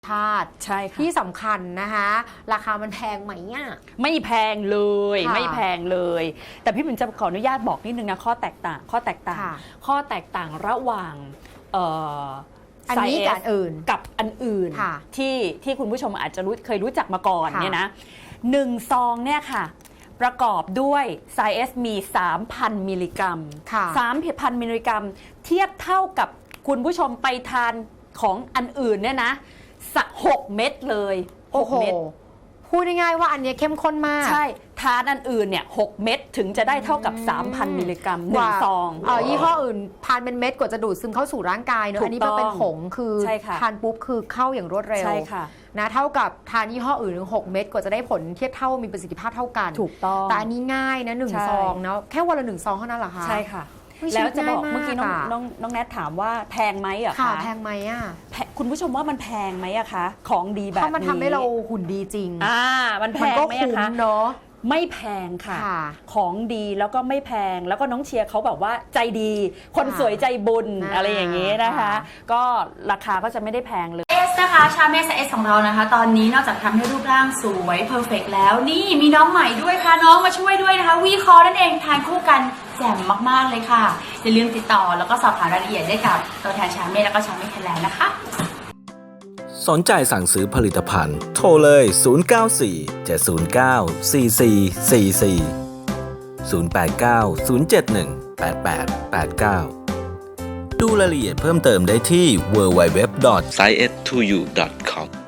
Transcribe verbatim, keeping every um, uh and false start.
ชาติใช่ค่ะที่สำคัญนะคะราคามันแพงไหมอ่ะไม่แพงเลยไม่แพงเลย แต่พี่ปิ่นจะขออนุญาตบอกนิดนึงนะข้อแตกต่างข้อแตกต่างข้อแตกต่างระหว่างเอ่ออันนี้กับอันอื่นกับอันอื่นที่ที่คุณผู้ชมอาจจะรู้เคยรู้จักมาก่อนเนี่ยนะหนึ่งซองเนี่ยค่ะประกอบด้วยไซเอสมี สามพัน มิลลิกรัม สามพัน มิลลิกรัมเทียบเท่ากับคุณผู้ชมไปทานของอันอื่นเนี่ยนะสักหกเม็ดเลยหกเม็ดพูดง่ายๆว่าอันนี้เข้มข้นมากใช่ทานอันอื่นเนี่ยหกเม็ดถึงจะได้เท่ากับ สามพัน มิลลิกรัมหนึ่งซองเอ่อยี่ห้ออื่นทานเป็นเม็ดกว่าจะดูดซึมเข้าสู่ร่างกายเนอะอันนี้มันเป็นผงคือทานปุ๊บคือเข้าอย่างรวดเร็วใช่ค่ะนะเท่ากับทานยี่ห้ออื่นถึงหกเม็ดกว่าจะได้ผลเทียบเท่ามีประสิทธิภาพเท่ากันถูกต้องแต่อันนี้ง่ายนะหนึ่งซองเนาะแค่วันละหนึ่งซองเท่านั้นเหรอคะใช่ค่ะแล้วจะบอกเมื่อกี้น้องน้องน้องแนทถามว่าแพงไหมอะคะแพงไหมอะคุณผู้ชมว่ามันแพงไหมอะคะของดีแบบนี้เพราะมันทำให้เราหุ่นดีจริงอ่ามันแพงไหมอะคะเนาะไม่แพงค่ะของดีแล้วก็ไม่แพงแล้วก็น้องเชียร์เขาแบบว่าใจดีคนสวยใจบุญอะไรอย่างนี้นะคะก็ราคาก็จะไม่ได้แพงเลยเอสนะคะชาเมสเอสของเรานะคะตอนนี้นอกจากทำให้รูปร่างสวยเพอร์เฟกต์แล้วนี่มีน้องใหม่ด้วยค่ะน้องมาช่วยด้วยนะคะวีคอนั่นเองทานคู่กันแจ่มมากๆเลยค่ะอย่าลืมติดต่อแล้วก็สอบถามรายละเอียดได้กับตัวแทนชาเมสแล้วก็ชาเมสไทยแลนด์นะคะสนใจสั่งซื้อผลิตภัณฑ์โทรเลย ศูนย์ เก้า สี่ เจ็ด ศูนย์ เก้า สี่ สี่ สี่ สี่ ศูนย์ แปด เก้า ศูนย์ เจ็ด หนึ่ง แปด แปด แปด เก้า ดูรายละเอียดเพิ่มเติมได้ที่ ดับเบิลยู ดับเบิลยู ดับเบิลยู ดอท ไซเอส ทู ยู ดอท คอม